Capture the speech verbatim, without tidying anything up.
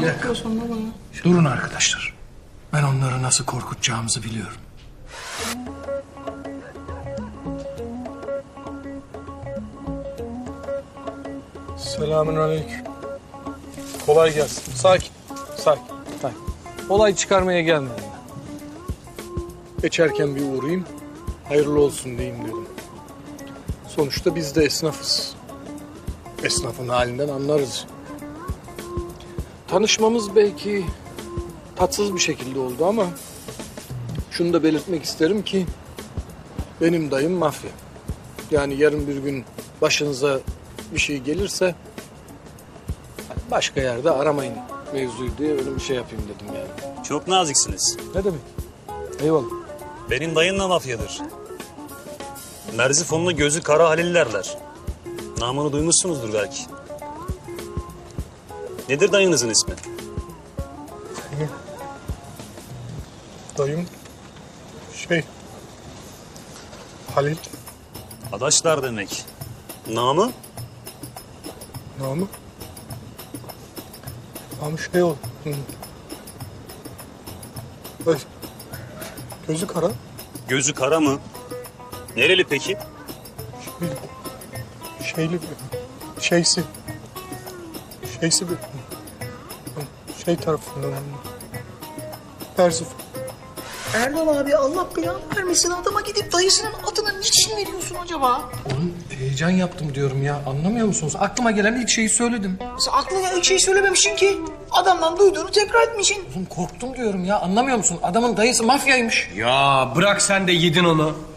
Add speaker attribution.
Speaker 1: dakika. Durun arkadaşlar. Ben onları nasıl korkutacağımızı biliyorum.
Speaker 2: Selamünaleyküm. Kolay gelsin. Sakin. Sakin. Sakin. Olay çıkarmaya gelmedim ben. Geçerken bir uğrayayım. Hayırlı olsun diyeyim dedim. Sonuçta biz de esnafız. Esnafın halinden anlarız. Tanışmamız belki tatsız bir şekilde oldu ama şunu da belirtmek isterim ki benim dayım mafya. Yani yarın bir gün başınıza bir şey gelirse başka yerde aramayın mevzuyu diye öyle bir şey yapayım dedim yani.
Speaker 3: Çok naziksiniz.
Speaker 2: Ne demek? Eyvallah.
Speaker 3: Benim dayım da mafyadır. Merzifonlu gözü kara Halillerler. Namını duymuşsunuzdur belki. Nedir dayınızın ismi?
Speaker 2: Dayım şey Halil
Speaker 3: Adaşlar demek. Namı?
Speaker 2: namı namı şey ol. Hı. Ay, gözü kara.
Speaker 3: Gözü kara mı? Nereli peki?
Speaker 2: Şey, şeyli bir şeysi şeysi bir şey tarafından Merzifon.
Speaker 4: Erdal abi Allah belanı vermesin, adama gidip dayısının adını niçin veriyorsun acaba?
Speaker 1: Oğlum heyecan yaptım diyorum ya. Anlamıyor musunuz? Aklıma gelen ilk şeyi söyledim.
Speaker 4: Sen aklına ilk şey söylememişsin ki. Adamdan duyduğunu tekrar etmişsin.
Speaker 1: Oğlum korktum diyorum ya. Anlamıyor musun? Adamın dayısı mafyaymış.
Speaker 5: Ya bırak sen de yedin onu.